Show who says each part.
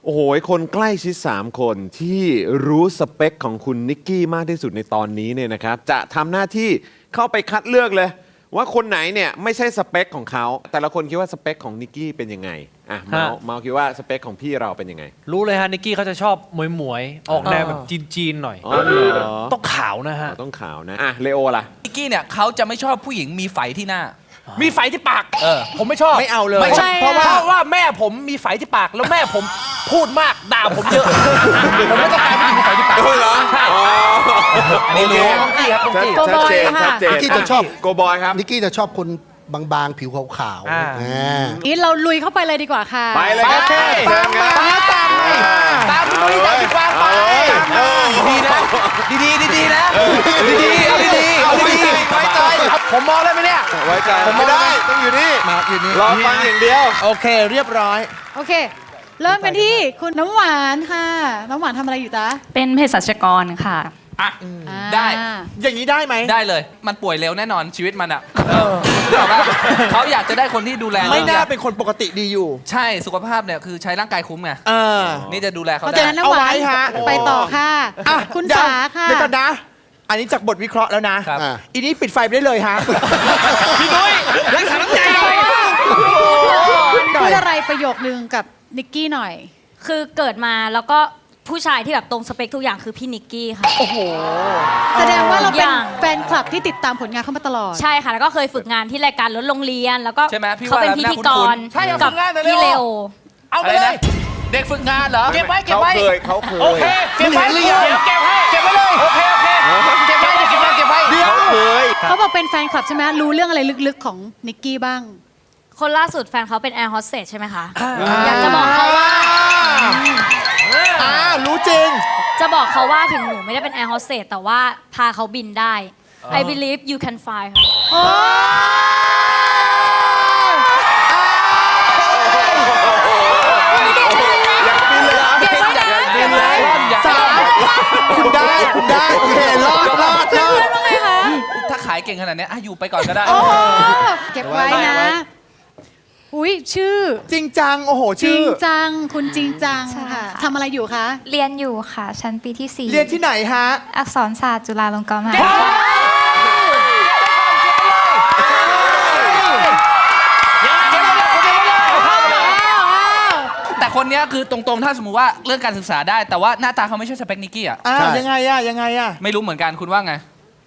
Speaker 1: โอ้โหคนใกล้ชิด3คนที่รู้สเปคของคุณนิกกี้มากที่สุดในตอนนี้เนี่ยนะครับจะทำหน้าที่เข้าไปคัดเลือกเลยว่าคนไหนเนี่ยไม่ใช่สเปคของเขาแต่ละคนคิดว่าสเปคของนิกกี้เป็นยังไงอ่ะเมาคิดว่าสเปคของพี่เราเป็นยังไง
Speaker 2: รู้เลยฮะนิกกี้เขาจะชอบหมวยๆออกแนวแบบจีนๆหน่อย
Speaker 1: อ๋อเหรอ
Speaker 2: ต้องขาวนะฮะ
Speaker 1: ต้องขาวนะอ่ะเลโอล่ะ
Speaker 3: นิกกี้เนี่ยเขาจะไม่ชอบผู้หญิงมีไฝที่หน้า
Speaker 2: มีไฝที่ปาก
Speaker 4: ผมไม่ชอบ
Speaker 2: ไม่เอาเลย
Speaker 4: ไม่ใช่
Speaker 2: เพราะว่าแม่ผมมีไฝที่ปากแล้วแม่ผมพูดมากด่าผมเยอะผมไม่ต้องการผู้หญิงมีไฝที่ปาก
Speaker 1: เหรอ
Speaker 2: ใช่
Speaker 1: อันนี้รู้
Speaker 2: ต้องกี้ครับต้องกี้
Speaker 1: ชัดเจนชัดเจน
Speaker 5: นิกกี้จะชอบ
Speaker 1: โกบอยครับ
Speaker 5: นิกกี้จะชอบคนบางๆ ผิวขาว
Speaker 2: อ่า
Speaker 6: นี่เราลุยเข้าไปเลยดีกว่าค่ะ
Speaker 1: ไปเลยครับ
Speaker 2: ไป
Speaker 1: เชิญครับ
Speaker 2: ตามพี่ตามพี่กวางไปดีนะดีนะดีเอาดีไว้ใจผมมองได้ไหมเนี่ย
Speaker 1: ไว้ใจผมไม่ได้ต้องอยู่นี่
Speaker 4: มาอยู่นี่
Speaker 1: รอฟังอย่างเดียว
Speaker 4: โอเคเรียบร้อย
Speaker 6: โอเค เริ่มกันที่คุณน้ำหวานค่ะ น้ำหวานทำอะไรอยู่จ๊ะ
Speaker 7: เป็นเภสัชกรค่ะ
Speaker 3: อ่ะ
Speaker 6: อ่า
Speaker 3: ได้
Speaker 4: อย่างนี้ได้ไหม
Speaker 3: ได้เลย มันป่วยเร็วแน่นอนชีวิตมันอ่ะแต่ว่าเขาอยากจะได้คนที่ดูแล
Speaker 4: ไม่น่าเป็นคนปกติดีอยู่
Speaker 3: ใช่สุขภาพเนี่ยคือใช้ร่างกายคุ้มไง
Speaker 4: เออ
Speaker 3: นี่จะดูแลเขา
Speaker 6: เพราะ
Speaker 3: ได้
Speaker 6: ฉะนั้นน้ำหวาน
Speaker 4: เอาไว้ฮะ
Speaker 6: ไปต่อค่ะ
Speaker 4: อ่ะ
Speaker 6: คุณ
Speaker 4: เดี๋ยว
Speaker 6: สาค่ะ
Speaker 4: เดี๋ยวก่อนนะ อันนี้จากบทวิเคราะห์แล้วนะครับ
Speaker 5: อ่า
Speaker 4: อีนี้ปิดไฟไปได้เลยฮะ
Speaker 2: พี่นุ้ยรักษาน้ำใจหน่อย
Speaker 6: พูดอะไรประโยคนึงกับนิกกี้หน่อย
Speaker 7: คือเกิดมาแล้วก็ผู้ชายที่แบบตรงสเปคทุกอย่างคือพี่นิกกี้ค่ะ
Speaker 4: โอ้โห
Speaker 6: แสดงว่าเราเป็น
Speaker 7: อย่าง
Speaker 6: แฟนคลับที่ติดตามผลงานเขามาตลอด
Speaker 7: ใช่ค่ะ แล้วก็เคยฝึกงานที่รายการรถโรงเรียน แล้วก็
Speaker 3: ใช่ไหมพี่
Speaker 7: เขาเป็น
Speaker 3: ว่า
Speaker 7: พิธีก
Speaker 3: น่าคุ้
Speaker 7: ร
Speaker 3: น
Speaker 2: ใช่เอา
Speaker 7: กั
Speaker 2: ฝึกงานหน่อย
Speaker 7: พี่
Speaker 2: เร็
Speaker 7: เล
Speaker 2: ว
Speaker 7: โอ
Speaker 2: เอาไป
Speaker 3: อะไร
Speaker 2: เล
Speaker 3: นะ
Speaker 2: ย
Speaker 3: เด็กฝึกงานเหรอ
Speaker 2: เก็บไว้
Speaker 1: เขาเคย
Speaker 2: โอเคเก็บไว้
Speaker 4: หรือยัง
Speaker 2: เดี๋ยวเก็บให้เก็บไว้เลยโอเคเก็บไว้เก็บไว้เก็บไว้
Speaker 4: เดี๋ยว
Speaker 1: เขาเคย
Speaker 6: เขาบอกเป็นแฟนคลับใช่ไหมรู้เรื่องอะไรลึกๆของนิกกี้บ้าง
Speaker 7: คนล่าสุดแฟนเขาเป็นแอร์โฮสเตสใช่ไหมคะ อยากจะบอกเขาว่า
Speaker 4: รู้จริง
Speaker 7: จะบอกเขาว่าถึงหนูไม่ได้เป็นแอร์โฮสเตสแต่ว่าพาเขาบินได้ I believe you can fly ค่ะ
Speaker 1: อยากบินเลยเหรอ
Speaker 7: เก็บไว้นะ
Speaker 1: อยากบินเลย
Speaker 4: สามคุณได้โอเครอด
Speaker 3: ถ้าขายเก่งขนาดเนี้ยอ่ะอยู่ไปก่อนก็ได้
Speaker 6: เก็บไว้นะ อุ้ยชื่อ
Speaker 4: จริงจัง โอ้โห
Speaker 6: จริ
Speaker 4: ชื่
Speaker 6: ง
Speaker 4: อ
Speaker 6: จัง คุณจริงจัง
Speaker 8: ใช่
Speaker 6: ค่ะ
Speaker 8: ค่ะ
Speaker 6: ทำอะไรอยู่คะ
Speaker 8: เรียนอยู่ค่ะ ชั้นปีที่ 4
Speaker 4: เรียนที่ไหนฮะ
Speaker 8: อักษรศาสตร์จุฬาลงกรณ์มหาวิทยาลัย
Speaker 3: แต่คนเนี้ยคือตรงๆ ถ้าสมมติว่าเรื่องการศึกษาได้ แต่ว่าหน้าตาเขาไม่ใช่สเปคนิกกี้อ่ะ
Speaker 4: ยังไงอะ
Speaker 3: ไม่รู้เหมือนกันคุณว่าไง